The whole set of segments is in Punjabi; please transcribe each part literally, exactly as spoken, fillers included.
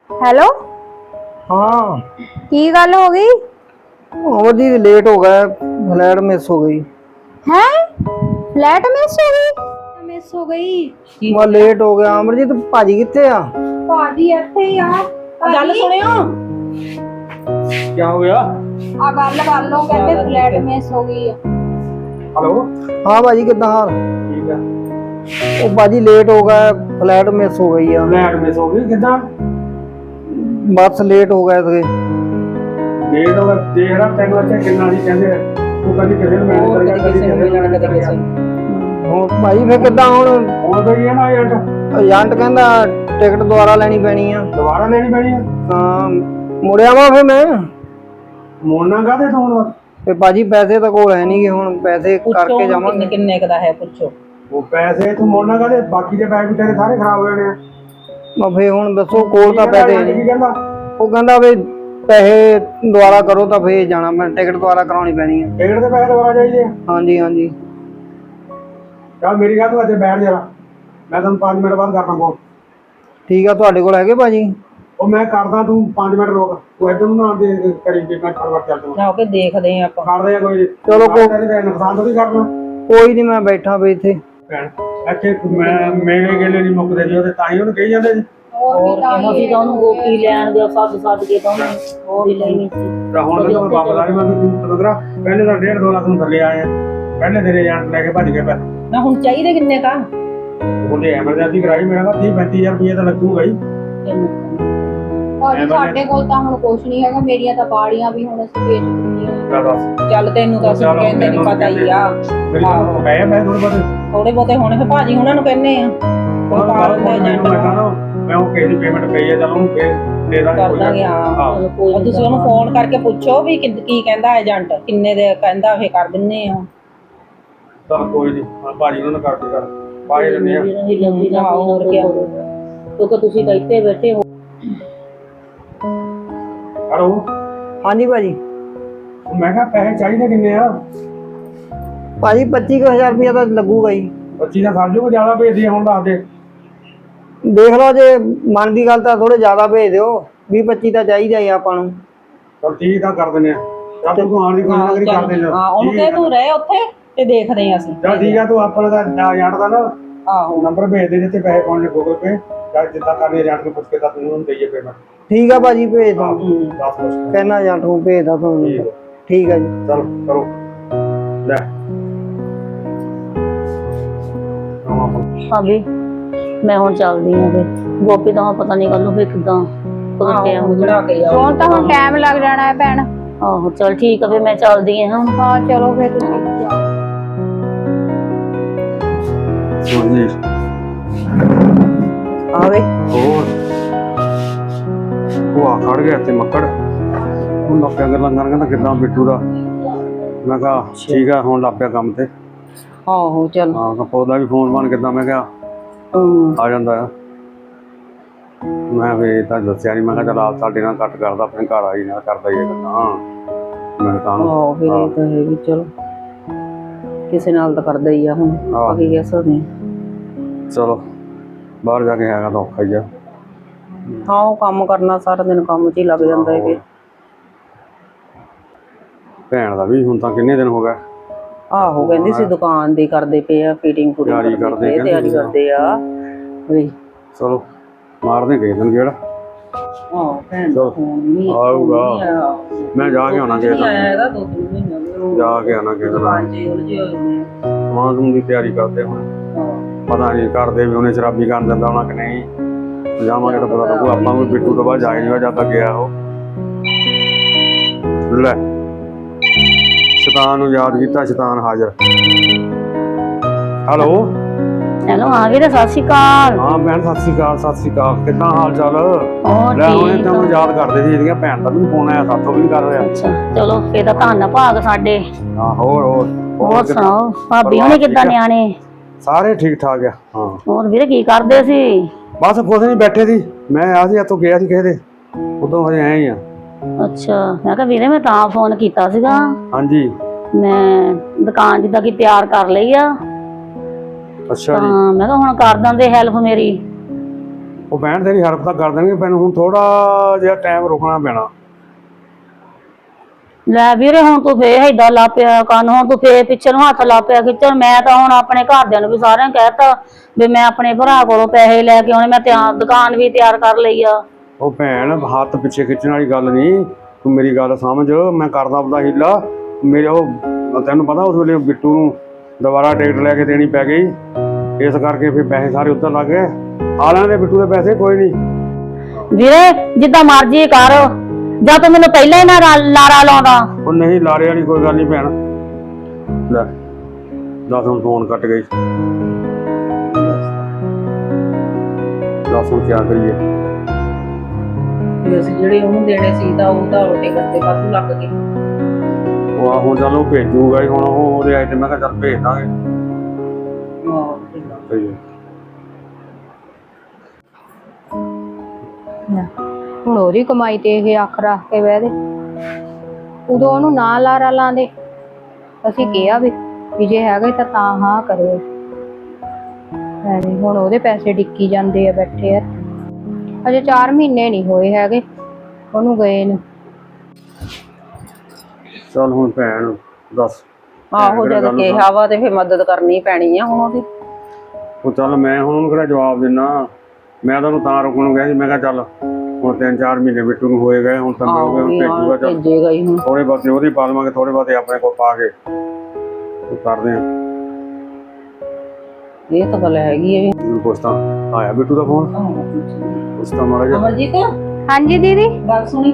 हेलो। हाँ की गल हो गई अमर जी लेट हो गया, फ्लाइट मिस हो गई है? फ्लैट मिस हो गई मिस हो गई मैं लेट हो गया। अमर जी तो भाजी कितने आ? भाजी ਇੱਥੇ ਹੀ ਆ। ਗੱਲ ਸੁਣਿਓ क्या हो गया? ਆ ਗੱਲ ਕਰ ਲਓ, ਕਹਿੰਦੇ ਫਲੈਟ ਮਿਸ ਹੋ ਗਈ ਆ। हेलो हाँ भाजी कितना हाल? ठीक है। वो भाजी लेट हो गया, फ्लाइट मिस हो गई है। फ्लैट मिस हो गई कितना? बस लेट हो गए थे। लेट हो गया देख रहा तेन बच्चे कितना नहीं कहते तू कभी किसी ने मैंने कर गया कभी किसी ने मैंने कर गया ਹੁਣ ਭਾਜੀ ਫਿਰ ਕਿੱਦਾਂ ਹੁਣ ਹੁਣ ਗਈ ਹੈ ਨਾ ਏਜੰਟ ਏਜੰਟ ਕਹਿੰਦਾ ਟਿਕਟ ਦੁਬਾਰਾ ਲੈਣੀ ਪੈਣੀ ਆ। ਦੁਬਾਰਾ ਲੈਣੀ ਪੈਣੀ ਹੈ? ਹਾਂ ਮੁੜਿਆ ਵਾ ਫਿਰ ਮੈਂ ਮੋੜਨਾ ਕਾਹਦੇ ਤੋਂ ਹੁਣ? ਤੇ ਭਾਜੀ ਪੈਸੇ ਤਾਂ ਕੋਲ ਹੈ ਨਹੀਂਗੇ, ਹੁਣ ਪੈਸੇ ਕਰਕੇ ਜਾਵਾਂਗੇ। ਕਿੰਨੇ ਕ ਦਾ ਹੈ ਪੁੱਛੋ। ਉਹ ਪੈਸੇ ਤੂੰ ਮੋੜਨਾ ਕਾਹਦੇ? ਬਾਕੀ ਦੇ ਪੈਸੇ ਵੀ ਤੇਰੇ ਸਾਰੇ ਖਰਾਬ ਹੋ ਜਾਣੇ ਆ। ਮੈਂ ਫੇਰ ਹੁਣ ਦੱਸੋ ਕੋਲ ਤਾਂ ਪੈਸੇ ਕੀ ਨਹੀਂ। ਕਹਿੰਦਾ? ਉਹ ਕਹਿੰਦਾ ਵੀ ਪੈਸੇ ਦੁਬਾਰਾ ਕਰੋ ਤਾਂ ਫੇਰ ਜਾਣਾ, ਮੈਂ ਟਿਕਟ ਦੁਬਾਰਾ ਕਰਾਉਣੀ ਪੈਣੀ ਹੈ। ਟਿਕਟ ਦੇ ਪੈਸੇ ਦੁਬਾਰਾ ਚਾਹੀਦੇ ਆ? ਹਾਂਜੀ ਹਾਂਜੀ ਚੱਲ ਮੇਰੀ ਗੱਲ ਤੂੰ ਇੱਥੇ ਬੈਠ ਜਰਾ, ਮੈਂ ਤੈਨੂੰ ਪੰਜ ਮਿੰਟ ਬਾਅਦ ਕਰਦਾ ਫੋਨ। ਠੀਕ ਆ, ਤੁਹਾਡੇ ਕੋਲ ਹੈਗੇ ਭਾਜੀ? ਉਹ ਮੈਂ ਕਰਦਾ, ਤੂੰ ਪੰਜ ਮਿੰਟ ਰੁਕ, ਤੂੰ ਇੱਧਰ ਨੂੰ ਨਾ ਆਂਦੇ ਕਰੀ ਜੇ ਮੈਂ ਖੜਵਾ ਚੱਲ ਜਾਵਾਂ। ਜਾ ਕੇ ਦੇਖਦੇ ਆਂ ਆਪਾਂ। ਕਰਦੇ ਆ ਕੋਈ ਚਲੋ ਕੋਈ ਨੁਕਸਾਨ ਤਾਂ ਨਹੀਂ ਕਰਨਾ। ਕੋਈ ਨਹੀਂ, ਮੈਂ ਬੈਠਾ ਵੀ ਇੱਥੇ। ਭੈਣ ਇੱਥੇ ਮੈਂ ਮੇਰੇ ਗੇਲੇ ਨਹੀਂ ਮੁੱਕਦੇ ਜੀ, ਉਹਦੇ ਤਾਂ ਹੀ ਉਹਨੂੰ ਕਹੀ ਜਾਂਦੇ ਜੀ। ਹੋਰ ਕਿਹਨਾਂ ਸੀ ਤਾਂ ਉਹਨੂੰ ਗੋਪੀ ਲੈਣ ਗਿਆ ਸੱਦ ਸੱਦ ਕੇ ਤਾਂ ਉਹਨੇ ਉਹ ਵੀ ਲੈਣੀ ਸੀ। ਤਾਂ ਹੁਣ ਤਾਂ ਤੁਹਾਨੂੰ ਵਾਪਸ ਆ ਰਹੀ ਮੈਂ ਤੂੰ ਪਤੰਦਰਾ ਪਹਿਲੇ ਤਾਂ ਡੇਢ ਦੋ ਲੱਖ ਨੂੰ ਥੱਲੇ ਆਏ ਆ, ਪਹਿਲੇ ਤੇਰੇ ਏਜੰਟ ਲੈ ਕੇ ਭੱਜ ਗਏ ਪੈ। ਨਾ ਹੁਣ ਚਾਹੀਦੇ ਕਿੰਨੇ ਕਾ? ਉਹਨੇ ਐਮਰਜੈਂਸੀ ਕਰਾਈ, ਮੇਰਾ ਤਾਂ ਤੀਹ ਪੈਂਤੀ ਹਜ਼ਾਰ ਰੁਪਏ ਤਾਂ ਲੱਗੂਗਾ ਹੀ। ਭਾਜੀ ਸਾਡੇ ਕੋਲ ਤਾਂ ਹੁਣ ਕੁਛ ਨਹੀਂ ਹੈਗਾ, ਮੇਰੀਆਂ ਤਾਂ ਬਾੜੀਆਂ ਵੀ ਹੁਣ ਅਸੀਂ ਵੇਚ ਦਿੱਤੀਆਂ। ਦੱਸ ਚੱਲ ਤੈਨੂੰ ਤਾਂ ਅਸੀਂ ਕਹਿੰਦੇ ਨਹੀਂ ਪਤਾ ਹੀ ਆ। ਮੇਰੀ ਤਾਂ ਪਏ ਮੈਂ ਥੋੜੇ ਬਹੁਤੇ ਥੋੜੇ ਬਹੁਤੇ ਹੋਣੇ ਫਿਰ ਭਾਜੀ ਉਹਨਾਂ ਨੂੰ ਕਹਿੰਦੇ ਆ ਕੋਈ ਪਾਲ ਦੇ ਏਜੰਟ ਮੈਂ ਉਹ ਕਿਸੇ ਦੀ ਪੇਮੈਂਟ ਪਈ ਹੈ, ਚੱਲ ਉਹਨੂੰ ਦੇ ਦੇ ਦਾਂਗੇ। ਕਰ ਦਾਂਗੇ। ਹਾਂ ਉਹ ਤੁਸੀਂ ਉਹਨੂੰ ਫੋਨ ਕਰਕੇ ਪੁੱਛੋ ਵੀ ਕਿ- ਕੀ ਕਹਿੰਦਾ ਏਜੰਟ, ਕਿੰਨੇ ਦੇ ਕਹਿੰਦਾ ਫੇਰ ਕਰ ਦਿੰਨੇ ਆ। ਚੱਲ ਕੋਈ ਨਹੀਂ, ਭਾਜੀ ਉਹਨਾਂ ਨੂੰ ਕਰਦੇ ਕਰ ਪਾਏ ਦਿੰਦੇ ਆ। ਹੋਰ ਕੀ, ਕਿਉਂਕਿ ਤੁਸੀਂ ਤਾਂ ਇੱਥੇ ਬੈਠੇ ਹੋ। ਹਲੋ ਹਾਂਜੀ ਭਾਜੀ। ਮੈਂ ਕਿਹਾ ਪੈਸੇ ਚਾਹੀਦੇ ਕਿੰਨੇ ਆ? ਭਾਜੀ ਪੱਚੀ ਕੁ ਹਜ਼ਾਰ ਰੁਪਇਆ ਤਾਂ ਲੱਗੂਗਾ ਜੀ। ਪੱਚੀ ਦਾ ਸਰ ਜੂਗਾ, ਜ਼ਿਆਦਾ ਭੇਜਦੀ ਹੁਣ ਦੱਸ ਦੇ। ਦੇਖ ਲਓ ਜੇ ਮਨ ਦੀ ਗੱਲ ਤਾਂ ਥੋੜੇ ਜ਼ਿਆਦਾ ਭੇਜ ਦਿਓ, ਵੀਹ ਪੱਚੀ ਤਾਂ ਚਾਹੀਦਾ ਹੀ ਆਪਾਂ ਨੂੰ। ਚੱਲ ਠੀਕ ਆ, ਕਰ ਦਿੰਦੇ ਆ। ਚੱਲ ਤੂੰ ਆਣ ਦੀ ਕੋਈ ਨਗਰੀ ਕਰ ਦੇ। ਹਾਂ ਉਹਨੂੰ ਕਹੇ ਤੂੰ ਰਹਿ ਉੱਥੇ ਤੇ ਦੇਖਦੇ ਆ ਅਸੀਂ। ਚੱਲ ਠੀਕ ਆ, ਤੂੰ ਆਪਣਾ ਦਾ ਏਜੰਟ ਦਾ ਨਾ ਆਹੋ ਨੰਬਰ ਭੇਜ ਦੇ ਜਿੱਥੇ ਪੈਸੇ ਪਾਉਣੇ ਗੂਗਲ ਪੇ ਜਾਂ ਜਿੱਦਾਂ ਕਰਨੀ ਏਜੰਟ ਨੂੰ ਪੁੱਛ ਕੇ ਤਾਂ ਤੂੰ ਉਹਨੂੰ ਦੇਈਏ ਪੇਮੈਂਟ। ਠੀਕ ਆ ਭਾਜੀ, ਭੇਜ ਦੋ। ਦੱਸ ਕੁਛ ਕਹਿਣਾ ਏਜੰਟ ਨੂੰ ਭੇਜਦਾ ਤੁਹਾਨੂੰ। ਠੀਕ ਆ। ਠੀਕ ਆ ਜੀ। ਚਲ ਕਰੋ ਲੈ। ਭਾਬੀ ਮੈਂ ਹੁਣ ਚੱਲਦੀ ਆ ਤੇ ਗੋਪੀ ਦਾ ਪਤਾ ਨਹੀਂ ਕੱਲ ਨੂੰ ਫੇਰ ਕਿੱਦਾਂ ਕਦੋਂ ਟਾਈਮ ਹੋ ਬਣਾ ਕੇ ਆਓ। ਹੁਣ ਤਾਂ ਹੁਣ ਟਾਈਮ ਲੱਗ ਜਾਣਾ ਹੈ ਭੈਣ। ਆਹੋ ਚਲ ਠੀਕ ਆ ਫੇਰ ਮੈਂ ਚੱਲਦੀ ਆ ਹੁਣ। ਹਾਂ ਚਲੋ ਫਿਰ ਤੁਸੀਂ ਜਾਓ। ਸੁਣੀ ਆਵੇ ਹੋਰ ਉਹ ਆ ਖੜ ਗਿਆ ਤੇ ਮੱਕੜ ਹੁਣ ਲੱਪਿਆ ਗੱਲਾਂ ਕਰਨ ਕਹਿੰਦਾ ਕਿੱਦਾਂ ਬਿੱਟੂ ਦਾ। ਮੈਂ ਕਿਹਾ ਠੀਕ ਆ, ਹੁਣ ਲੱਪਿਆ ਕੰਮ ਤੇ। ਆਹੋ ਚੱਲ। ਹਾਂ ਕਪੋਦਾ ਵੀ ਫੋਨ ਬਣ ਕਿੱਦਾਂ, ਮੈਂ ਕਿਹਾ ਆ ਜਾਂਦਾ ਆ। ਮੈਂ ਵੀ ਤਾਂ ਦੱਸਿਆ ਨਹੀਂ, ਮੈਂ ਕਿਹਾ ਚੱਲ ਆਪ ਸਾਡੇ ਨਾਲ ਕੱਟ ਕਰਦਾ, ਆਪਣੇ ਘਰ ਆਈ ਨਾਲ ਕਰਦਾ ਹੀ ਹੈ ਗੱਲਾਂ। ਮੈਂ ਤਾਂ ਆਹੋ ਫਿਰ ਇਹ ਤਾਂ ਹੈ ਵੀ ਚਲੋ ਕਿਸੇ ਨਾਲ ਤਾਂ ਕਰਦਾ ਹੀ ਆ। ਹੁਣ ਆਪਾਂ ਕੀ ਕਹਿ ਸਕਦੇ ਆ। ਚਲੋ ਬਾਹਰ ਜਾ ਕੇ ਹੈਗਾ ਤਾਂ ਔਖਾ ਹੀ ਆ। ਹਾਂ ਉਹ ਕੰਮ ਕਰਨਾ ਸਾਰਾ ਦਿਨ ਕੰਮ 'ਚ ਹੀ ਲੱਗ ਜਾਂਦਾ ਹੈ ਫਿਰ। ਭੈਣ ਦਾ ਵੀ ਹੁਣ ਤਾਂ ਕਿੰਨੇ ਦਿਨ ਹੋ ਗਏ। ਆਹੋ ਕਹਿੰਦੀ ਸੀ ਦੁਕਾਨ ਦੀ ਕਰਦੇ ਪਏ ਆ, ਫਿਟਿੰਗ ਫੁਟਿੰਗ ਤਿਆਰੀ ਕਰਦੇ ਕਰਦੇ ਪਏ, ਤਿਆਰੀ ਕਰਦੇ ਆ ਵੀ। ਚਲੋ ਮਾਰਦੇ ਗਏ ਦਿਨ ਜਿਹੜਾ ਆਹ ਭੈਣ ਚਲੋ ਨਹੀਂ ਆਊਗਾ। ਮੈਂ ਜਾ ਕੇ ਆਉਣਾ ਕਿਸੇ ਦਿਨ, ਆਏਗਾ ਦੋ ਤਿੰਨ ਮਹੀਨੇ ਹੋ ਗਏ। ਜਾ ਕੇ ਆਉਣਾ ਕਿਸੇ ਦਿਨ। ਦੁਕਾਨ 'ਚ ਹੀ ਉਲਝੇ ਹੋਏ ਨੇ। ਮਾਨਸੂਨ ਦੀ ਤਿਆਰੀ ਕਰਦੇ ਹੁਣ, ਪਤਾ ਨਹੀਂ ਕਰਦੇ ਵੀ ਉਹਨੇ ਸ਼ਰਾਬੀ ਕਰਨ ਦਿੰਦਾ ਹੋਣਾ ਕਿ ਨਹੀਂ। ਜਾਵਾਂਗੇ ਤਾਂ ਪਤਾ ਲੱਗੂ। ਆਪਾਂ ਵੀ ਬਿੱਟੂ ਤੋਂ ਬਾਅਦ ਜਾਏ ਨਹੀਂ ਜਦ ਤੱਕ ਗਿਆ ਉਹ। ਲੈ ਸ਼ੈਤਾਨ ਨੂੰ ਯਾਦ ਕੀਤਾ, ਸ਼ੈਤਾਨ ਹਾਜ਼ਰ। ਹੈਲੋ ਹੈਲੋ ਹਾਂ ਵੀਰੇ ਸਤਿ ਸ਼੍ਰੀ ਅਕਾਲ। ਹਾਂ ਭੈਣ ਸਤਿ ਸ਼੍ਰੀ ਅਕਾਲ। ਸਤਿ ਸ਼੍ਰੀ ਅਕਾਲ, ਕਿੱਦਾਂ ਹਾਲ ਚਾਲ? ਹੋਰ ਲੈ ਉਹਨੇ ਠੀਕ ਤੈਨੂੰ ਯਾਦ ਕਰਦੇ ਸੀ, ਇਹਦੀਆਂ ਭੈਣ ਦਾ ਵੀ ਫੋਨ ਆਇਆ, ਸਾਥੋਂ ਵੀ ਕਰ ਰਿਹਾ। ਅੱਛਾ ਚਲੋ ਫੇਰ ਤਾਂ ਧੰਨ ਭਾਗ ਸਾਡੇ। ਹਾਂ ਹੋਰ ਹੋਰ ਹੋਰ ਸੁਣਾਓ ਭਾਬੀ ਹੁਣੇ ਕਿੱਦਾਂ ਨਿਆਣੇ? ਸਾਰੇ ਠੀਕ ਠਾਕ ਆ। ਹਾਂ ਹੋਰ ਵੀਰੇ ਕੀ ਕਰਦੇ ਸੀ? ਬਸ ਕੁਛ ਨਹੀਂ, ਬੈਠੇ ਸੀ। ਮੈਂ ਆ ਸੀ ਇੱਥੋਂ ਗਿਆ ਸੀ ਕਿਸੇ ਦੇ, ਉਦੋਂ ਹਜੇ ਆਏ ਹੀ ਆ। ਅੱਛਾ ਮੈਂ ਕਿਹਾ ਵੀਰੇ ਮੈਂ ਤਾਂ ਫੋਨ ਕੀਤਾ ਸੀਗਾ, ਹਾਂਜੀ ਮੈਂ ਦੁਕਾਨ ਜਿੱਦਾਂ ਕਿ ਤਿਆਰ ਕਰ ਲਈ ਆ ਅੱਛਾ ਜੀ। ਤਾਂ ਮੈਂ ਕਿਹਾ ਹੁਣ ਕਰ ਦਿੰਦੇ ਹੈਲਪ ਮੇਰੀ। ਉਹ ਭੈਣ ਤੇਰੀ ਹੈਲਪ ਤਾਂ ਕਰ ਦੇਣਗੇ, ਮੈਨੂੰ ਹੁਣ ਥੋੜਾ ਜਿਹਾ ਟਾਈਮ ਰੁਕਣਾ ਪੈਣਾ। ਲੈ ਵੀਰੇ ਹੁਣ ਤੂੰ ਫੇਰ ਏਦਾਂ ਲਾ ਪਿਆ ਕੰਨ, ਹੁਣ ਤੂੰ ਫੇਰ ਪਿੱਛੇ ਨੂੰ ਹੱਥ ਲਾ ਪਿਆ ਖਿੱਚਣ। ਮੈਂ ਤਾਂ ਹੁਣ ਆਪਣੇ ਘਰਦਿਆਂ ਨੂੰ ਵੀ ਸਾਰਿਆਂ ਨੂੰ ਕਹਿਤਾ ਵੀ ਮੈਂ ਆਪਣੇ ਭਰਾ ਕੋਲੋਂ ਪੈਸੇ ਲੈ ਕੇ ਆਉਣੇ, ਮੈਂ ਤਿਆਰ ਦੁਕਾਨ ਵੀ ਤਿਆਰ ਕਰ ਲਈ ਆ। ਉਹ ਭੈਣ ਹੱਥ ਪਿੱਛੇ ਖਿੱਚਣ ਵਾਲੀ ਗੱਲ ਨਹੀਂ, ਤੂੰ ਮੇਰੀ ਗੱਲ ਸਮਝ। ਮੈਂ ਕਰਦਾ ਆਪਦਾ ਹੀਲਾ। ਮੇਰੇ ਉਹ ਤੈਨੂੰ ਪਤਾ ਉਸ ਵੇਲੇ ਬਿੱਟੂ ਨੂੰ ਦੁਬਾਰਾ ਟਿਕਟ ਲੈ ਕੇ ਦੇਣੀ ਪੈ ਗਈ, ਇਸ ਕਰਕੇ ਫਿਰ ਪੈਸੇ ਸਾਰੇ ਉੱਧਰ ਲੱਗ ਗਏ। ਆ ਲੈਣ ਦੇ ਬਿੱਟੂ ਦੇ ਪੈਸੇ, ਕੋਈ ਨਹੀਂ। ਵੀਰੇ ਜਿੱਦਾਂ ਮਰਜ਼ੀ ਕਰ, ਜਾਂ ਤੂੰ ਮੈਨੂੰ ਪਹਿਲਾਂ ਹੀ ਨਾ ਰਾ- ਲਾਰਾ ਲਾਉਂਦਾ। ਉਹ ਨਹੀਂ ਲਾਰੇ ਵਾਲੀ ਕੋਈ ਗੱਲ ਨਹੀਂ ਭੈਣ। ਲੈ ਦੱਸ ਹੁਣ ਫੋਨ ਕੱਟ ਗਈ, ਦੱਸ ਹੁਣ ਕੀ ਕਰੀਏ। ਵੀ ਅਸੀਂ ਜਿਹੜੇ ਉਹਨੂੰ ਦੇਣੇ ਸੀ ਤਾਂ ਉਹ ਤਾਂ ਟਿਕਟ ਤੇ ਵਾਧੂ ਲੱਗ ਗਏ। ਉਹ ਆ ਹੁਣ ਚੱਲ ਉਹ ਭੇਜੂਗਾ ਹੀ ਹੁਣ, ਉਹ ਉਹਦੇ ਆਏ ਤੇ ਮੈਂ ਕਿਹਾ ਚੱਲ ਭੇਜ ਦਾਂਗੇ। ਹਾਂ ਸਹੀ ਹੈ। ਹੁਣ ਉਹਦੀ ਕਮਾਈ ਤੇ ਇਹ ਅੱਖ ਰੱਖ ਕੇ ਬਹਿ ਦੇ। ਉਦੋਂ ਉਹਨੂੰ ਨਾ ਲਾਰਾ ਲਾਉਂਦੇ, ਅਸੀਂ ਕਿਹਾ ਵੀ ਵੀ ਜੇ ਹੈਗੇ ਤਾਂ ਤਾਂ ਹਾਂ ਕਰਿਓ। ਐਵੇਂ ਹੁਣ ਉਹਦੇ ਪੈਸੇ ਡਿੱਕੀ ਜਾਂਦੇ ਆ ਬੈਠੇ ਆ। ਅਜੇ ਚਾਰ ਮਹੀਨੇ ਨਹੀਂ ਹੋਏ ਹੈਗੇ ਉਹਨੂੰ ਗਏ ਨੂੰ। ਚੱਲ ਹੁਣ ਭੈਣ ਦੱਸ। ਆਹੋ ਜਦ ਕਿਹਾ ਵਾ ਤੇ ਫਿਰ ਮਦਦ ਕਰਨੀ ਪੈਣੀ ਆ ਹੁਣ ਉਹਦੀ। ਉਹ ਚੱਲ ਮੈਂ ਹੁਣ ਉਹਨੂੰ ਕਿਹੜਾ ਜਵਾਬ ਦਿੰਨਾ। ਮੈਂ ਤਾਂ ਉਹਨੂੰ ਤਾਂ ਰੁਕਣ ਨੂੰ ਗਿਆ ਸੀ, ਮੈਂ ਕਿਹਾ ਚੱਲ ਹੁਣ ਤਿੰਨ ਚਾਰ ਮਹੀਨੇ ਬਿੱਟੂ ਨੂੰ ਹੋਏ ਗਏ, ਹੁਣ ਤਾਂ ਮਿਲੂਗੇ, ਹੁਣ ਭੇਜੂਗਾ। ਚੱਲ ਭੇਜੇਗਾ ਹੀ ਹੁਣ। ਥੋੜੇ ਬਹੁਤੇ ਉਹਦੀ ਪਾ ਲਵਾਂਗੇ, ਥੋੜੇ ਬਹੁਤੇ ਆਪਣੇ ਕੋਲ ਪਾ ਕੇ ਕਰਦੇ ਆ। ਇਹ ਤਾਂ ਗੱਲ ਹੈਗੀ ਹੈ ਵੀ। ਕੁਛ ਤਾਂ ਆਇਆ ਬਿੱਟੂ ਦਾ ਫੋਨ, ਕੁਛ ਤਾਂ ਮਾੜਾ ਜਿਹਾ। ਅਮਰਜੀਤ ਹਾਂਜੀ ਦੀਦੀ। ਗੱਲ ਸੁਣੀ।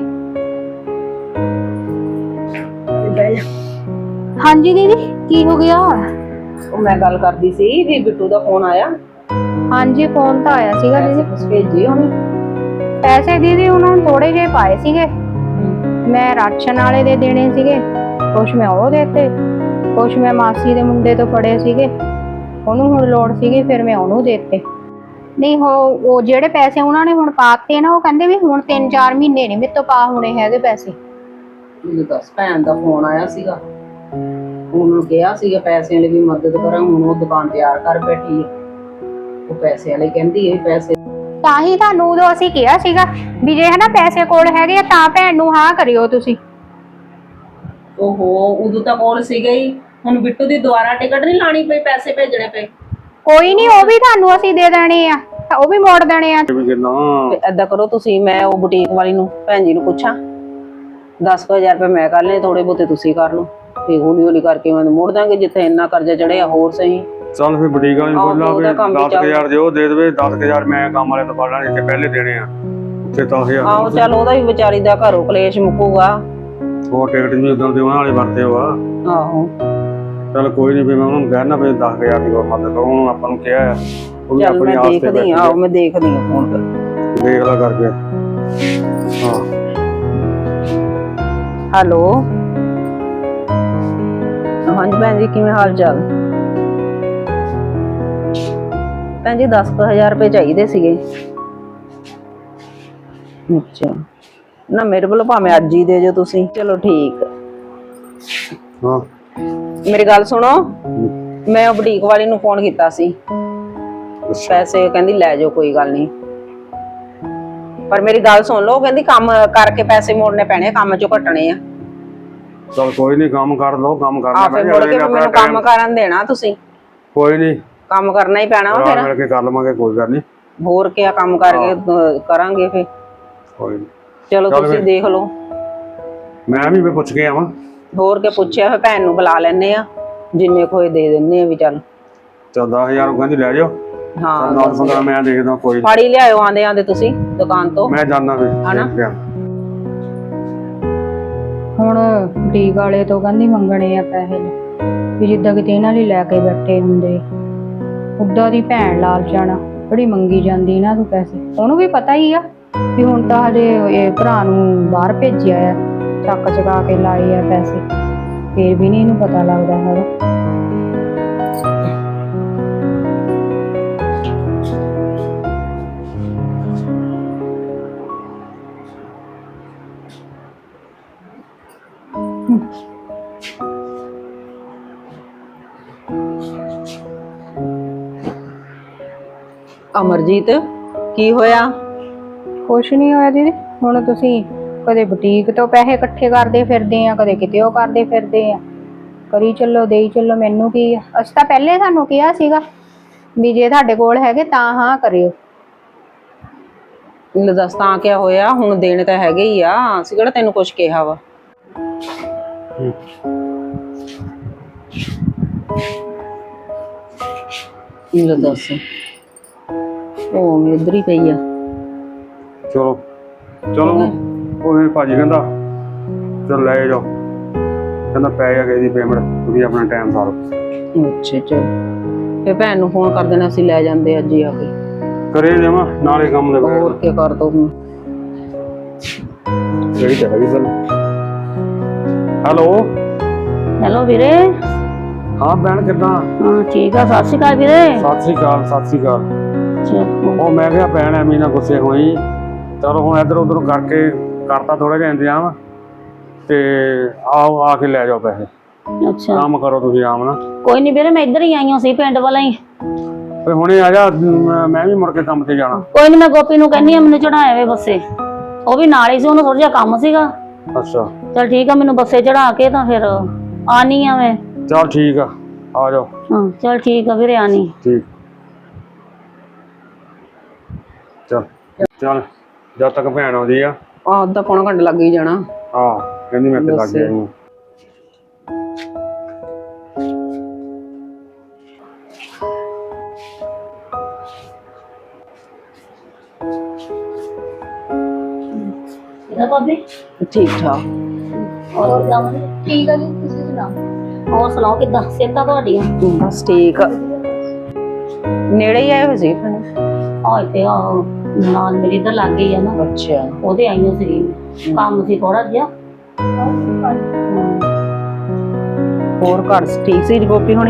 ਹਾਂਜੀ ਦੀਦੀ ਕੀ ਹੋ ਗਿਆ? ਉਹ ਮੈਂ ਗੱਲ ਕਰਦੀ ਸੀ ਵੀ ਬਿੱਟੂ ਦਾ ਫੋਨ ਆਇਆ। ਹਾਂਜੀ ਫੋਨ ਤਾਂ ਆਇਆ ਸੀਗਾ ਦੀਦੀ। ਪੈਸੇ ਭੇਜੇ ਉਹਨੇ। ਪੈਸੇ ਦੀਦੀ ਉਹਨਾਂ ਨੂੰ ਥੋੜੇ ਜਿਹੇ ਪਾਏ ਸੀਗੇ, ਮੈਂ ਰਾਸ਼ਨ ਵਾਲੇ ਦੇ ਦੇਣੇ ਸੀਗੇ, ਕੁਛ ਮੈਂ ਉਹ ਦੇਤੇ, ਕੁਛ ਮੈਂ ਮਾਸੀ ਦੇ ਮੁੰਡੇ ਤੋਂ ਫੜੇ ਸੀਗੇ, ਉਹਨੂੰ ਹੁਣ ਲੋੜ ਸੀਗੀ ਫਿਰ ਮੈਂ ਉਹਨੂੰ ਦੇਤੇ। ਨਹੀਂ ਉਹ ਉਹ ਜਿਹੜੇ ਪੈਸੇ ਉਹਨਾਂ ਨੇ ਹੁਣ ਪਾਤੇ ਨਾ, ਉਹ ਕਹਿੰਦੇ ਵੀ ਹੁਣ ਤਿੰਨ ਚਾਰ ਮਹੀਨੇ ਨਹੀਂ ਮੇਰੇ ਤੋਂ ਪਾ ਹੋਣੇ ਹੈਗੇ ਪੈਸੇ। ਮੈਨੂੰ ਦੱਸ ਭੈਣ ਦਾ ਫੋਨ ਆਇਆ ਸੀਗਾ, ਉਹਨੂੰ ਕਿਹਾ ਸੀਗਾ ਪੈਸਿਆਂ ਲਈ ਵੀ ਮਦਦ ਕਰਾਂ। ਹੁਣ ਉਹ ਦੁਕਾਨ ਤਿਆਰ ਕਰ ਬੈਠੀ ਹੈ, ਉਹ ਪੈਸੇ ਵਾਲੇ ਕਹਿੰਦੀ ਇਹ ਪੈਸੇ। ਤਾਂ ਹੀ ਤੁਹਾਨੂੰ ਉਦੋਂ ਅਸੀਂ ਕਿਹਾ ਸੀਗਾ ਵੀ ਜੇ ਹਨਾ ਪੈਸੇ ਕੋਲ ਹੈਗੇ ਆ ਤਾਂ ਭੈਣ ਨੂੰ ਹਾਂ ਕਰਿਓ ਤੁਸੀਂ। ਓਹੋ ਉਦੋਂ ਤਾਂ ਕੋਲ ਸੀਗਾ ਹੀ, ਹੁਣ ਬਿੱਟੂ ਦੀ ਦੁਬਾਰਾ ਟਿਕਟ ਨਹੀਂ ਲਾਣੀ ਪਈ, ਪੈਸੇ ਭੇਜਣੇ ਪਏ। ਕੋਈ ਨਹੀਂ ਉਹ ਵੀ ਤੁਹਾਨੂੰ ਅਸੀਂ ਦੇ ਦੇਣੇ ਆ, ਉਹ ਵੀ ਮੋੜ ਦੇਣੇ ਆ। ਤੇ ਏਦਾਂ ਕਰੋ ਤੁਸੀਂ, ਮੈਂ ਉਹ ਬੁਟੀਕ ਵਾਲੀ ਨੂੰ ਭੈਣ ਜੀ ਨੂੰ ਪੁੱਛਾਂ, ਦਸ ਕੁ ਹਜ਼ਾਰ ਰੁਪਏ ਮੈਂ ਕਰ ਲੈ, ਥੋੜੇ ਬਹੁਤੇ ਤੁਸੀਂ ਕਰ ਲਓ, ਤੇ ਹੌਲੀ ਹੌਲੀ ਕਰਕੇ ਮੈਂ ਮੋੜ ਦਾਂਗੇ। ਜਿੱਥੇ ਇੰਨਾ ਕਰਜ਼ਾ ਚੜਿਆ ਹੋਰ ਸਹੀ। ਚੱਲ ਫਿਰ ਬੁਟੀਕ ਵਾਲੇ ਨੂੰ ਬੋਲਾਂ ਵੀ ਦਸ ਹਜ਼ਾਰ ਜੇ ਉਹ ਦੇ ਦੇਵੇ, ਦਸ ਹਜ਼ਾਰ ਮੈਂ ਕੰਮ ਵਾਲੇ ਤੋਂ ਪਾ ਲੈਣੇ, ਇੱਥੇ ਪਹਿਲੇ ਦੇਣੇ ਆ, ਉੱਥੇ ਦਸ ਹਜ਼ਾਰ। ਆਹੋ ਚੱਲ ਉਹਦਾ ਵੀ ਵਿਚਾਰੀ ਦਾ ਘਰੋਂ ਕਲੇਸ਼ ਮੁੱਕੂਗਾ। ਉਹ ਟਿਕਟ ਵੀ ਉਦੋਂ ਦੇ ਉਹਨਾਂ ਵਾਲੇ ਵਰਤੇ ਹੋ ਆ। ਆਹੋ ਚੱਲ ਕੋਈ ਨਹੀਂ, ਫਿਰ ਮੈਂ ਉਹਨਾਂ ਨੂੰ ਕਹਿਣਾ ਵੀ ਦਸ ਹਜ਼ਾਰ ਦੀ ਹੋਰ ਮਦਦ ਕਰੋ। ਉਹਨੂੰ ਆਪਾਂ ਨੂੰ ਕਿਹਾ ਆ, ਉਹ ਵੀ ਚੱਲ ਆਪਣੀ ਮੈਂ ਆਸ ਤੇ ਦੇਖਦੀ ਆ, ਮੈਂ ਦੇਖਦੀ ਆ ਫੋਨ ਕਰ ਦੇਖ ਲਾ ਕਰਕੇ। ਹਾਂ ਹੈਲੋ ਹਾਂਜੀ ਭੈਣ ਜੀ, ਕਿਵੇਂ ਹਾਲ ਚਾਲ? ਭੈਣ ਜੀ ਦਸ ਕੁ ਹਜ਼ਾਰ ਰੁਪਏ ਚਾਹੀਦੇ ਸੀਗੇ। ਅੱਛਾ ਨਾ ਮੇਰੇ ਵੱਲੋਂ ਭਾਵੇਂ ਅੱਜ ਹੀ ਦੇ ਜੋ ਤੁਸੀਂ। ਚਲੋ ਠੀਕ। ਹਾਂ ਮੇਰੀ ਗੱਲ ਸੁਣੋ, ਮੈਂ ਉਹ ਬੁਟੀਕ ਵਾਲੀ ਨੂੰ ਫੋਨ ਕੀਤਾ ਸੀ, ਪੈਸੇ ਕਹਿੰਦੀ ਲੈ ਜਾਓ ਕੋਈ ਗੱਲ ਨਹੀਂ, ਪਰ ਮੇਰੀ ਗੱਲ ਸੁਣ ਲਓ, ਕਹਿੰਦੀ ਕੰਮ ਕਰਕੇ ਪੈਸੇ ਮੋੜਨੇ ਪੈਣੇ, ਕੰਮ ਚੋਂ ਕੱਟਣੇ ਆ। ਚੱਲ ਕੋਈ ਨਹੀਂ, ਕੰਮ ਕਰ ਲਓ, ਕੰਮ ਕਰਨਾ ਆ ਫਿਰ ਮੁੜ ਕੇ ਮੈਨੂੰ ਕੰਮ ਕਰਨ ਦੇਣਾ ਤੁਸੀਂ। ਕੋਈ ਨਹੀਂ, ਕੰਮ ਕਰਨਾ ਹੀ ਪੈਣਾ ਵਾ ਫਿਰ। ਮਿਲ ਕੇ ਕਰ ਲਵਾਂਗੇ, ਕੋਈ ਗੱਲ ਨਹੀਂ। ਹੋਰ ਕੀ ਕੰਮ ਕਰਕੇ ਅਹ ਕਰਾਂਗੇ ਫਿਰ। ਕੋਈ ਨਹੀਂ, ਚਲੋ ਤੁਸੀਂ ਦੇਖ ਲਓ। ਮੈਂ ਵੀ ਪੁੱਛ ਕੇ ਆਵਾਂ। ਹੋਰ ਕੀ ਪੁੱਛਿਆ, ਫਿਰ ਭੈਣ ਨੂੰ ਬੁਲਾ ਲੈਣੇ ਆ, ਜਿੰਨੇ ਕੋਈ ਦੇ ਦਿੰਨੇ ਆ ਵੀ। ਚੱਲ ਚੱਲ ਦਸ ਹਜ਼ਾਰ ਉਹ ਕਹਿੰਦੀ ਲੈ ਜਾਓ। ਹਾਂ ਦਸ ਪੰਦਰਾਂ ਮੈਂ ਦੇਖਦਾ, ਕੋਈ ਫਾੜੀ ਲਿਆਇਓ ਆਂਦੇ ਆਂਦੇ ਤੁਸੀਂ ਦੁਕਾਨ ਤੋਂ। ਮੈਂ ਜਾਣਾ ਫਿਰ। ਹੁਣ ਬੁਟੀਕ ਵਾਲੇ ਤੋਂ ਕਹਿੰਦੀ ਮੰਗਣੇ ਆ ਪੈਸੇ, ਵੀ ਜਿੱਦਾਂ ਕਿਤੇ ਇਹਨਾਂ ਲਈ ਲੈ ਕੇ ਬੈਠੇ ਹੁੰਦੇ, ਉੱਦਾਂ ਦੀ ਭੈਣ ਲਾਲ ਜਾਣਾ ਬੜੀ ਮੰਗੀ ਜਾਂਦੀ ਇਹਨਾਂ ਤੋਂ ਪੈਸੇ। ਉਹਨੂੰ ਵੀ ਪਤਾ ਹੀ ਆ ਵੀ ਹੁਣ ਤਾਂ ਹਜੇ ਇਹ ਭਰਾ ਨੂੰ ਬਾਹਰ ਭੇਜਿਆ ਆ, ਚੱਕ ਚਕਾ ਕੇ ਲਾਏ ਆ ਪੈਸੇ, ਫੇਰ ਵੀ ਨਹੀਂ ਇਹਨੂੰ ਪਤਾ ਲੱਗਦਾ ਹੈਗਾ। ਅਮਰਜੀਤ ਕੀ ਹੋਇਆ? ਕੁਛ ਨਹੀਂ ਹੋਇਆ ਦੀਦੀ। ਹੁਣ ਤੁਸੀਂ ਕਦੇ ਬੁਟੀਕ ਤੋਂ ਪੈਸੇ ਇਕੱਠੇ ਕਰਦੇ ਫਿਰਦੇ ਆ, ਕਦੇ ਕਿਤੇ ਉਹ ਕਰਦੇ ਫਿਰਦੇ ਆ। ਕਰੀ ਚੱਲੋ, ਦੇਈ ਚੱਲੋ, ਮੈਨੂੰ ਕੀ ਆ। ਅਸੀਂ ਤਾਂ ਪਹਿਲੇ ਤੁਹਾਨੂੰ ਕਿਹਾ ਸੀਗਾ ਵੀ ਜੇ ਤੁਹਾਡੇ ਕੋਲ ਹੈਗੇ ਤਾਂ ਹਾਂ ਕਰਿਓ। ਲੈ ਦੱਸ ਤਾਂ ਕਿਆ ਹੋਇਆ? ਹੁਣ ਦੇਣੇ ਤਾਂ ਹੈਗੇ ਹੀ ਆ, ਅਸੀਂ ਕਿਹੜਾ ਤੈਨੂੰ ਕੁਝ ਕਿਹਾ ਵਾ। ਲੈ ਦੱਸ, ਉਹ ਮੇਰੀ ਇੱਧਰ ਹੀ ਪਈ ਆ। ਚਲੋ ਚਲੋ ਉਹ ਫਿਰ ਭਾਜੀ ਕਹਿੰਦਾ ਚਲ ਲੈ ਜਾਓ, ਕਹਿੰਦਾ ਪੈ ਜਾ ਗਈ ਦੀ ਪੇਮੈਂਟ, ਤੁਸੀਂ ਆਪਣਾ ਟਾਈਮ ਸਾਰੋ। ਅੱਛਾ ਚਲ ਫੇ ਭੈਣ ਨੂੰ ਫੋਨ ਕਰ ਦੇਣਾ, ਅਸੀਂ ਲੈ ਜਾਂਦੇ ਅੱਜ ਹੀ ਆ ਕੇ। ਕਰੇ ਜਾਵਾਂ ਨਾਲੇ ਕੰਮ ਦੇ ਹੋਰ ਕੀ ਕਰ ਦੋ ਹੁਣ। ਜਿਹੜੀ ਤਾਂ ਹੈਗੀ ਗੱਲ। ਹੈਲੋ ਹੈਲੋ ਵੀਰੇ। ਹਾਂ ਭੈਣ ਕਿੱਦਾਂ? ਹਾਂ ਠੀਕ ਆ, ਸਤਿ ਸ਼੍ਰੀ ਅਕਾਲ ਵੀਰੇ। ਸਤਿ ਸ੍ਰੀ ਅਕਾਲ ਸਤਿ ਸ੍ਰੀ ਅਕਾਲ। ਅੱਛਾ, ਉਹ ਮੈਂ ਕਿਹਾ ਭੈਣ ਐਵੇਂ ਨਾ ਗੁੱਸੇ ਹੋਈ, ਚਲੋ ਹੁਣ ਇੱਧਰ ਉੱਧਰ ਕਰਕੇ ਕਰਤਾ ਥੋੜਾ ਜਿਹਾ ਇੰਤਜ਼ਾਮ, ਤੇ ਆਓ ਆ ਕੇ ਲੈ ਜਾਓ ਪੈਸੇ। ਅੱਛਾ ਕੰਮ ਕਰੋ ਤੁਸੀਂ ਆਰਾਮ ਨਾਲ। ਕੋਈ ਨਹੀਂ ਵੀਰੇ, ਮੈਂ ਇੱਧਰ ਹੀ ਆਈ ਹਾਂ ਸੀ ਪਿੰਡ ਵਾਲਾ ਹੀ। ਤੇ ਹੁਣੇ ਆ ਜਾ, ਮੈਂ- ਮੈਂ ਵੀ ਮੁੜ ਕੇ ਕੰਮ ਤੇ ਜਾਣਾ। ਕੋਈ ਨਹੀਂ, ਮੈਂ ਗੋਪੀ ਨੂੰ ਕਹਿੰਦੀ ਆ ਮੈਨੂੰ ਚੜਾਇਆ ਵੇ ਬੱਸੇ। ਉਹ ਵੀ ਨਾਲ ਹੀ ਸੀ, ਉਹਨੂੰ ਥੋੜਾ ਜਿਹਾ ਕੰਮ ਸੀਗਾ। ਅੱਛਾ ਚਲ ਠੀਕ ਆ, ਮੈਨੂੰ ਬੱਸੇ ਚੜਾ ਕੇ ਤਾਂ ਫਿਰ ਆਨੀ ਆ ਮੈਂ। ਚਲ ਠੀਕ ਆ, ਆ ਜਾਓ। ਹਾਂ ਚਲ ਠੀਕ ਆ ਵੀਰੇ, ਆਨੀ। ਠੀਕ ਚਲ ਚਲ ਜਦ ਤੱਕ ਭੈਣ ਆਉਂਦੀ ਆ। ਆ ਅੱਧਾ ਪੌਣਾ ਘੰਟਾ ਲੱਗ ਹੀ ਜਾਣਾ। ਆਹ ਕਹਿੰਦੀ ਮੈਂ ਤੇ ਲੱਗ ਗਿਆ ਇਹਨੂੰ। ਇਹਦਾ ਭਾਬੀ ਠੀਕ ਠਾਕ। ਹੋਰ ਕਿਦਾਂ? ਠੀਕ ਆ ਜੀ, ਤੁਸੀਂ ਸੁਣਾਓ? ਹੋਰ ਸੁਣਾਓ ਕਿਦਾਂ ਸਿਹਤਾਂ ਤੁਹਾਡੀਆਂ? ਬਸ ਠੀਕ ਆ। ਨੇੜੇ ਹੀ ਆਏ ਹੋਏ ਸੀ ਭੈਣ। ਆ ਇੱਥੇ ਆ ਨਾਲ ਮੇਰੀ ਇੱਧਰ ਲੱਗ ਗਈ ਆ ਨਾ, ਅੱਛਾ ਉਹਦੇ ਆਈਆਂ ਸੀ, ਕੰਮ ਸੀ ਥੋੜਾ ਜਿਹਾ। ਹੋਰ ਘਰ ਠੀਕ ਸੀ ਗੋਪੀ ਹੋਣੀ?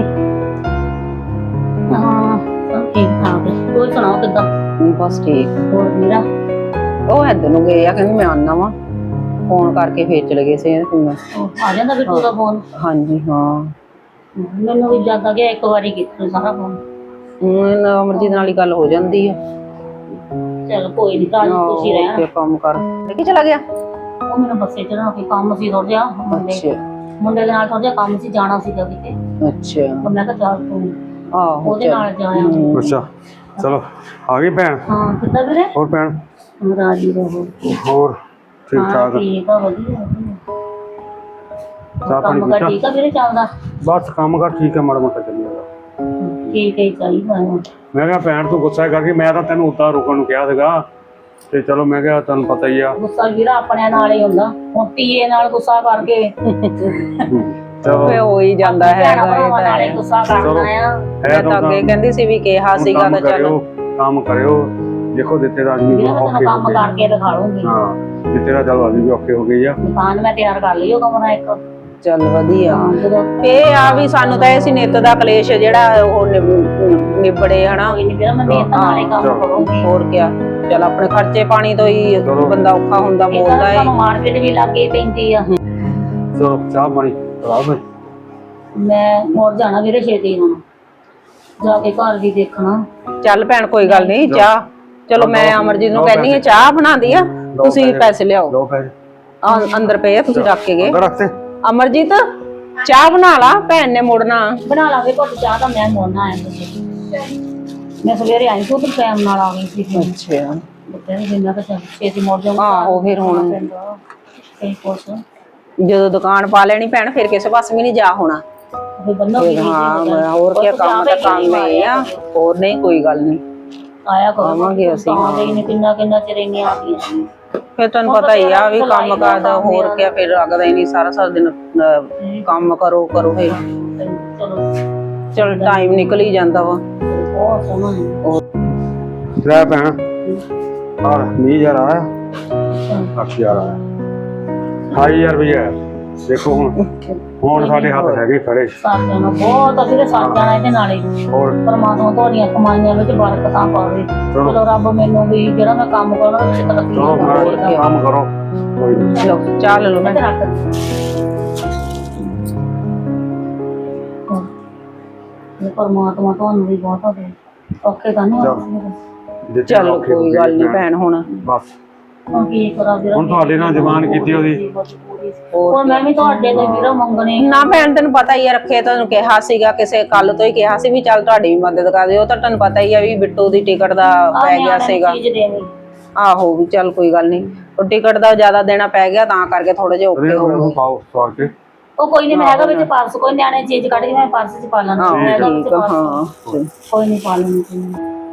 ਹਾਂ ਸਭ ਠੀਕ ਠਾਕ। ਕੋਈ ਸੁਣਾਓ ਕਿਦਾਂ? ਬਸ ਠੀਕ। ਹੋਰ ਵੀਰਾ? ਉਹ ਇੱਧਰ ਨੂੰ ਗਏ ਆ, ਕਹਿੰਦੀ ਮੈਂ ਆਉਣਾ ਵਾ, ਫੋਨ ਕਰਕੇ ਫੇਰ ਚਲੇ ਗਏ ਸੀ। ਉਹ ਆ ਜਾਂਦਾ ਬਿੱਟੂ ਦਾ ਫੋਨ? ਹਾਂਜੀ ਹਾਂ, ਮੈਨੂੰ ਵੀ ਜਾਂਦਾ ਗਿਆ, ਇੱਕ ਵਾਰੀ ਕੀਤਾ ਸਾਰਾ ਫੋਨ। ਹੁਣ ਅਮਰਜੀਤ ਨਾਲ ਹੀ ਗੱਲ ਹੋ ਜਾਂਦੀ ਆ। ਚਲ ਕੋਈ ਨਹੀਂ, ਕੱਲ ਤੁਸੀਂ ਰਹਿਣਾ। ਤੇ ਕੰਮ ਕਰ ਕਿ ਚਲਾ ਗਿਆ। ਉਹ ਮੈਨੂੰ ਬੱਸੇ ਚੜ੍ਹਾ ਕੇ ਕੰਮ ਸੀ ਥੋੜਾ ਜਿਹਾ, ਮੁੰਡੇ ਅੱਛਾ ਮੁੰਡੇ ਦੇ ਨਾਲ ਥੋੜਾ ਜਿਹਾ ਕੰਮ ਸੀ, ਜਾਣਾ ਸੀਗਾ ਕਿਤੇ। ਅੱਛਾ ਤਾਂ ਮੈਂ ਕਿਹਾ ਚੱਲ ਤੂੰ ਆਹੋ ਉਹਦੇ ਨਾਲ ਜਾਇਆ। ਅੱਛਾ ਚਲੋ ਆ ਗਈ ਭੈਣ। ਹਾਂ ਕਿੱਦਾਂ ਵੀਰੇ? ਹੋਰ ਭੈਣ ਰਾਜੀ ਰਹੋ। ਹੋਰ ਠੀਕ ਹਾਂ ਠਾਕ? ਠੀਕ ਆ, ਵਧੀਆ ਵਧੀਆ। ਚਾਹ ਪਾਣੀ ਕੰਮ ਕਰ ਪੀਤਾ? ਠੀਕ ਆ ਵੀਰੇ, ਚੱਲਦਾ? ਬਸ ਕੰਮ ਕਰ ਠੀਕ ਹੈ, ਮਾੜਾ ਮੋਟਾ ਚੱਲੀ ਜਾਂਦਾ। ਠੀਕ ਹੈ ਚਾਹੀਦਾ ਹੈ। ਮੈਂ ਕਿਹਾ ਭੈਣ ਤੂੰ ਗੁੱਸਾ ਕਰਕੇ, ਮੈਂ ਤਾਂ ਤੈਨੂੰ ਉੱਤਾ ਰੁਕਣ ਨੂੰ ਕਿਹਾ ਸੀਗਾ, ਤੇ ਚਲੋ ਮੈਂ ਕਿਹਾ ਤੁਹਾਨੂੰ ਪਤਾ ਹੀ ਆ। ਗੁੱਸਾ ਵੀਰਾ ਆਪਣੇ ਨਾਲ ਹੀ ਹੁੰਦਾ, ਹੁਣ ਧੀਏ ਨਾਲ ਗੁੱਸਾ ਕਰਕੇ ਚਲੋ ਫੇ ਹੋ ਹੀ ਜਾਂਦਾ ਹੈਗਾ ਇਹ ਤਾਂ ਨਾਲੇ ਗੁੱਸਾ ਕਰਨਾ ਆ। ਮੈਂ ਤਾਂ ਅੱਗੇ ਕਹਿੰਦੀ ਸੀ ਵੀ ਕਿਹਾ ਸੀਗਾ ਕੰਮ ਤਾਂ ਕਰਿਓ, ਚੱਲ ਕੰਮ ਕਰਿਓ। ਦੇਖੋ ਦਿੱਤੇ ਦਾ ਆਦਮੀ ਵੀਰਾ ਮੈਂ ਔਖੇ ਤੈਨੂੰ ਹੋ ਕੰਮ ਗਏ। ਕਰਕੇ ਦਿਖਾ ਲੂੰਗੀ। ਹਾਂ ਦਿੱਤੇ ਦਾ ਚਲੋ ਆਦਮੀ ਵੀ ਔਖੇ ਹੋ ਗਈ ਆ। ਦੁਕਾਨ ਮੈਂ ਤਿਆਰ ਕਰ ਲਈ ਉਹ ਕਮਰਾ ਇੱਕ। ਚੱਲ ਵਧੀਆ। ਹਾਂ ਜਦੋਂ ਇਹ ਆ ਵੀ ਸਾਨੂੰ ਤਾਂ ਇਹ ਸੀ ਨਿੱਤ ਦਾ ਕਲੇਸ਼ ਜਿਹੜਾ ਉਹ ਨਿਬ- ਨਿਬੜੇ ਹਨਾ। ਕੋਈ ਨਹੀਂ ਵੀਰਾ, ਮੈਂ ਮਿਹਨਤ ਨਾਲ ਹੀ ਕੰਮ ਚਲੋ। ਕਰੂੰਗੀ। ਹੋਰ ਕਿਆ, ਚੱਲ ਆਪਣੇ ਖਰਚੇ ਪਾਣੀ ਤੋਂ ਹੀ ਚਲੋ। ਬੰਦਾ ਔਖਾ ਹੁੰਦਾ ਇਹਦਾ ਬੋਲਦਾ ਏ। ਸਾਨੂੰ ਮਾਰਕੀਟ ਵੀ ਲੱਗੇ ਪੈਂਦੀ ਆ। ਚਲੋ ਚਾਹ ਪਾਣੀ ਕਰਾ ਫਿਰ। ਮੈਂ ਹੋਰ ਜਾਣਾ ਵੀਰੇ ਛੇਤੀ ਹੁਣ, ਜਾ ਕੇ ਘਰ ਵੀ ਦੇਖਣਾ। ਚੱਲ ਭੈਣ ਕੋਈ ਗੱਲ ਨਹੀਂ, ਚਾਹ ਚਲੋ ਮੈਂ ਅਮਰਜੀਤ ਨੂੰ ਕਹਿੰਦੀ ਆ ਚਾਹ ਬਣਾਉਂਦੀ ਆ, ਤੁਸੀਂ ਪੈਸੇ ਲਿਆਓ। ਲਓ ਪੈਸੇ ਆ ਅੰਦਰ ਪਏ ਆ, ਤੁਸੀਂ ਰੱਖ ਕੇ ਗਏ। ਅੰਦਰ ਰੱਖਤੇ। ਅਮਰਜੀਤ ਚਾਹ ਬਣਾ ਲਾ, ਭੈਣ ਨੇ ਮੁੜਨਾ। ਬਣਾ ਲਾਂਗੇ ਘੁੱਟ ਚਾਹ ਤਾਂ ਮੈਂ ਮੋੜਨਾ ਆਇਆ ਤੁਸੀਂ। ਮੈਂ ਸਵੇਰੇ ਆਈ ਤੂੰ ਟਾਈਮ ਨਾਲ ਆ ਗਈ ਸੀ। ਅੱਛਾ ਬੱਚਿਆਂ ਦੀ ਜਿੰਨਾ ਤਾਂ ਚੱਲ ਛੇਤੀ ਮੋੜ ਜਾਊਂਗਾ। ਆਹੋ ਫਿਰ ਹੁਣ ਕਈ ਕੁਛ ਜਦੋਂ ਦੁਕਾਨ ਪਾ ਲੈਣੀ ਭੈਣ, ਫਿਰ ਕਿਸੇ ਪਾਸੇ ਵੀ ਨਹੀਂ ਜਾ ਹੋਣਾ। ਫਿਰ ਬੰਨੋ ਫਿਰ ਹਾਂ ਹੋਰ ਕੀ ਕੰਮ ਤਾਂ ਕੰਮ ਹੈ ਆ, ਹੋਰ ਨਹੀਂ ਕੋਈ ਗੱਲ ਨਹੀਂ। ਆਇਆ ਕਰੋ ਆਵਾਂਗੇ ਅਸੀਂ। ਤਾਂ ਦੇ ਨੇ ਕਿੰਨਾ ਕਿੰਨਾ ਚਿਰ ਇੰਨੀਆਂ ਆਉਂਦੀਆਂ। ਫਿਰ ਤੁਹਾਨੂੰ ਪਤਾ ਹੀ ਆ ਵੀ ਕੰਮ ਕਰਦਾ ਹੋਰ ਕੀ, ਫਿਰ ਲੱਗਦਾ ਹੀ ਨਹੀਂ ਸਾਰਾ ਸਾਰਾ ਦਿਨ ਅਹ, ਕੰਮ ਕਰੋ ਕਰੋ ਫਿਰ ਚਲੋ ਚਲ ਟਾਈਮ ਨਿਕਲ ਹੀ ਜਾਂਦਾ ਵਾ। ਬਹੁਤ ਸੋਹਣਾ ਹੈ। ਲੈ ਭੈਣ ਆ ਵੀਹ ਹਜ਼ਾਰ ਆਇਆ, ਅੱਠ ਹਜ਼ਾਰ ਆਇਆ, ਅਠਾਈ ਹਜ਼ਾਰ ਰੁਪਇਆ ਆਇਆ। ਦੇਖੋ ਹੁਣ ਹੁਣ ਸਾਡੇ ਹੱਥ ਹੈਗੇ ਖੜੇ। ਸਾਥਾਂ ਨਾਲ ਬਹੁਤ ਅਸੀਂ ਤੇ ਸਾਥਾਂ ਨਾਲ ਇਹਦੇ ਨਾਲ ਹੀ। ਹੋਰ ਪਰਮਾਤਮਾ ਤੁਹਾਡੀਆਂ ਕਮਾਈਆਂ ਵਿੱਚ ਬਰਕਤਾਂ ਪਾਵੇ। ਚਲੋ। ਚਲੋ ਰੱਬ ਮੈਨੂੰ ਵੀ ਜਿਹੜਾ ਮੈਂ ਕੰਮ ਕਰਨਾ ਉਹਦੇ ਵਿੱਚ ਤਰੱਕੀ ਚਲੋ ਦੇਵੇ। ਕੰਮ ਕਰੋ ਕੋਈ ਨੀ। ਚਲੋ ਚਾਹ ਲੈ ਲਓ ਮੈਂ ਭੈਣ। ਤੇ ਰੱਖ ਦਿੱਤੀ। ਪਰਮਾਤਮਾ ਤੁਹਾਨੂੰ ਵੀ ਬਹੁਤ ਦੇ ਔਖੇ ਤਾਂ ਨਹੀਂ ਚਲੋ। ਆਉਂਦੇ। ਦਿੱਤੇ ਚਲੋ ਔਖੇ ਕੋਈ ਹੋ ਗੱਲ ਗਏ ਨਹੀਂ ਭੈਣ ਹੁਣ ਬਸ ਹੁਣ ਕੀ ਕਰਾਂ ਵੀਰਾ ਹੁਣ ਤੁਹਾਡੇ ਨਾਲ ਜ਼ਬਾਨ ਕੀਤੀ ਉਹਦੀ ਹੋਰ ਮੈਂ ਵੀ ਤੁਹਾਡੇ ਤੋਂ ਵੀਰਾ ਮੰਗਣੇ ਨਾ ਭੈਣ ਤੈਨੂੰ ਪਤਾ ਹੀ ਆ ਰੱਖੇ ਤੈਨੂੰ ਕਿਹਾ ਸੀਗਾ ਕਿਸੇ ਕੱਲ ਤੋਂ ਹੀ ਕਿਹਾ ਸੀ ਵੀ ਚੱਲ ਤੁਹਾਡੀ ਵੀ ਮਦਦ ਕਰ ਦਿਓ ਤਾਂ ਤੈਨੂੰ ਪਤਾ ਹੀ ਆ ਵੀ ਬਿੱਟੂ ਦੀ ਟਿਕਟ ਦਾ ਪੈ ਗਿਆ ਸੀਗਾ ਚੀਜ਼ ਦੇਣੀ ਆਹੋ ਵੀ ਚੱਲ ਕੋਈ ਗੱਲ ਨਹੀਂ ਉਹ ਟਿਕਟ ਦਾ ਜ਼ਿਆਦਾ ਦੇਣਾ ਪੈ ਗਿਆ ਤਾਂ ਕਰਕੇ ਥੋੜੇ ਜਿਹਾ ਔਖੇ ਹੋ ਗਏ ਪਾਓ ਸਵਾਰ ਕੇ ਉਹ ਕੋਈ ਨਹੀਂ ਮੈਂ ਹੈਗਾ ਵਿੱਚ ਪਰਸ ਕੋਈ ਨਿਆਣੇ ਚੀਜ਼ ਕੱਢ ਕੇ ਮੈਂ ਪਰਸ ਚ ਪਾ ਲੈਣਾ ਹਾਂ ਹੈਗਾ ਵਿੱਚ ਠੀਕ ਆ, ਪਰਸ। ਹਾਂ ਕੋਈ ਨਹੀਂ ਪਾ ਲੈਣੀ ਕੋਈ ਨੀ।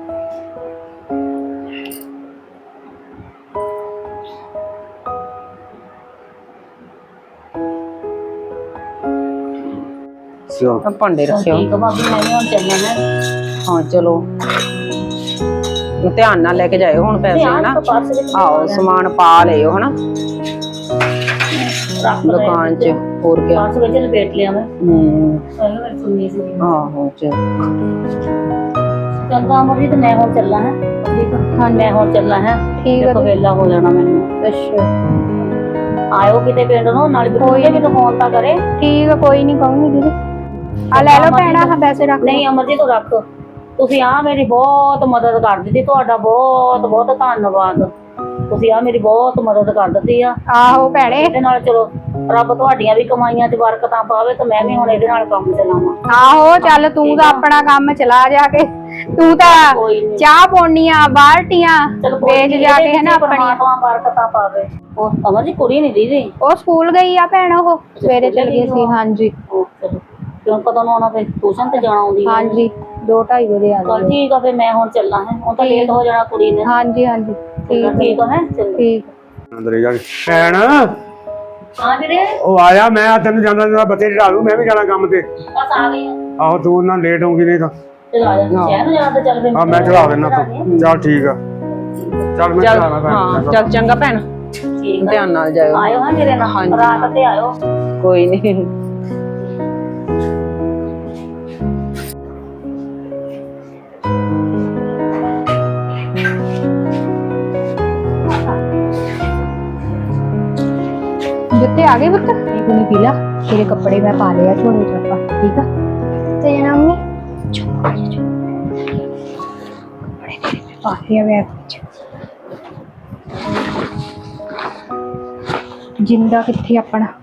ਚਲੋ ਆਹ ਭਾਂਡੇ ਰੱਖਿਓ ਠੀਕ ਆ ਭਾਬੀ ਮੈਂ ਵੀ ਹੁਣ ਚੱਲਣਾ ਹੈ ਹਾਂ ਚਲੋ ਧਿਆਨ ਨਾਲ ਲੈ ਕੇ ਜਾਇਓ ਹੁਣ ਪੈਸੇ ਹਨਾ ਪਰਸ ਵਿੱਚ ਆਹੋ ਸਮਾਨ ਪਾ ਲਿਓ ਹਨਾ ਰੱਖ ਲਿਆ ਦੁਕਾਨ 'ਚ ਹੋਰ ਕੀ ਪਰਸ ਵਿੱਚ ਲਪੇਟ ਲਿਆ ਮੈਂ ਹੂੰ ਪਹਿਲਾਂ ਮੈਂ ਸੁਣੀ ਸੀ ਆਹੋ ਚਲ ਚੰਗਾ ਅਮਰਜੀਤ ਤੇ ਮੈਂ ਹੁਣ ਚੱਲਾਂ ਹੈ ਠੀਕ ਆ ਹਾਂ ਮੈਂ ਹੁਣ ਚੱਲਾਂ ਹੈ ਠੀਕ ਆ ਦੇਖੋ ਵੇਲਾ ਹੋ ਜਾਣਾ ਮੈਨੂੰ ਅੱਛਾ ਆਇਓ ਕਿਤੇ ਪਿੰਡ ਨੂੰ ਨਾਲ ਵੀ ਕੋਈ ਵੀ ਫੋਨ ਤਾਂ ਕਰੇ ਠੀਕ ਆ ਕੋਈ ਨਹੀਂ ਕਹੂੰਗੀ ਦੀਦੀ ਆ ਲੈ ਲਓ ਭੈਣਾ ਹਾਂ ਪੈਸੇ ਰੱਖ ਨਹੀਂ ਅਮਰਜੀਤ ਤੂੰ ਰੱਖ ਤੁਸੀਂ ਆ ਮੇਰੀ ਬਹੁਤ ਮਦਦ ਕਰ ਦਿੱਤੀ ਤੁਹਾਡਾ ਬਹੁਤ ਬਹੁਤ ਧੰਨਵਾਦ ਤੁਸੀਂ ਆ ਮੇਰੀ ਬਹੁਤ ਮਦਦ ਕਰ ਦਿੱਤੀ ਆ ਆਹੋ ਭੈਣੇ ਇਹਦੇ ਨਾਲ ਚਲੋ ਰੱਬ ਤੁਹਾਡੀਆਂ ਵੀ ਕਮਾਈਆਂ 'ਚ ਬਰਕਤਾਂ ਪਾਵੇ ਤੇ ਮੈਂ ਵੀ ਹੁਣ ਇਹਦੇ ਨਾਲ ਕੰਮ ਚਲਾਵਾਂ ਆਹੋ ਚੱਲ ਤੂੰ ਤਾਂ ਆਪਣਾ ਕੰਮ ਚਲਾ ਜਾ ਕੇ ਤੂੰ ਤਾਂ ਕੋਈ ਨੀ। ਚਾਹ ਪੋਣੀਆਂ ਬਾਲਟੀਆਂ ਚਲੋ ਕੋਈ ਵੇਚ ਨੀ, ਜਾ ਇਹਦੇ ਕੇ ਹੈ ਨਾ ਵਿੱਚ ਆਪਣੀਆਂ ਪਰਮਾਤਮਾ ਬਰਕਤਾਂ ਪਾਵੇ ਉਹ ਅਮਰ ਜੀ ਕੁੜੀ ਨਹੀਂ ਦੀਦੀ ਉਹ ਸਕੂਲ ਗਈ ਆ ਭੈਣ ਉਹ ਸਵੇਰੇ ਚਲ ਗਈ ਸੀ ਹਾਂਜੀ ਉਹ ਚਲੋ ਕਿਉਂ ਕਦੋਂ ਨੂੰ ਆਉਣਾ ਫਿਰ ਟਿਊਸ਼ਨ ਤੇ ਜਾਣਾ ਆਉਂਦੀ ਆ। ਹਾਂਜੀ ਦੋ ਢਾਈ ਵਜੇ ਆ ਚਲ ਗਈ ਠੀਕ ਆ ਫਿਰ ਮੈਂ ਹੁਣ ਚੱਲਾਂ ਹੈ ਹੁਣ ਤਾਂ ਲੇਟ ਹੋ ਜਾਣਾ ਕੁੜੀ ਨੇ ਹਾਂਜੀ ਹਾਂਜੀ ਠੀਕ ਆ, ਠੀਕ ਆ ਹੈ ਚਲੋ ਠੀਕ ਅੰਦਰ ਜਾ ਕੇ ਭੈਣ ਹਾਂ ਵੀਰੇ ਉਹ ਆਇਆ ਮੈਂ ਆ ਤੈਨੂੰ ਜਾਂਦਾ ਜਾਂਦਾ ਬੱਚੇ ਚੜਾ ਦੂੰ ਮੈਂ ਵੀ ਜਾਣਾ ਕੰਮ ਤੇ ਬਸ ਆ ਗਈ ਆ ਆਹੋ ਤੂੰ ਉਹਨਾਂ ਲੇਟ ਹੋਊਗੀ ਨਹੀਂ ਤਾਂ ਚਲ ਆ ਜਾ ਸ਼ਹਿਰ ਨੂੰ ਜਾਣਾ ਤਾਂ ਚੱਲ ਫਿਰ ਆ ਮੈਂ ਚੜਾ ਦੇਣਾ ਤੂੰ ਚੱਲ ਠੀਕ ਆ ਚੱਲ ਮੈਂ ਚੱਲ ਚੜਾਣਾ ਹਾਂ ਭੈਣ ਚੱਲ ਚੰਗਾ ਭੈਣ ਠੀਕ ਆ ਧਿਆਨ ਨਾਲ ਜਾਇਓ ਆਇਓ ਹਾਂ ਮੇਰੇ ਨਾਲ ਹਾਂਜੀ, ਰਾਤ ਤੇ ਆਇਓ ਕੋਈ ਨਹੀਂ ਜੁੱਤੇ ਆ ਗਏ ਪੁੱਤ ਇਹ ਕੋਈ ਪੀ ਲਾ ਤੇਰੇ ਕੱਪੜੇ ਮੈਂ ਪਾ ਲਿਆ ਝੋਲੇ ਚ ਆਪਾਂ ਠੀਕ ਆ ਤੇ ਮੰਮੀ ਕੱਪੜੇ ਤੇਰੇ ਪਾ ਲਿਆ ਬੈਗ ਵਿੱਚ ਜਿੰਦਾ ਕਿੱਥੇ ਆਪਣਾ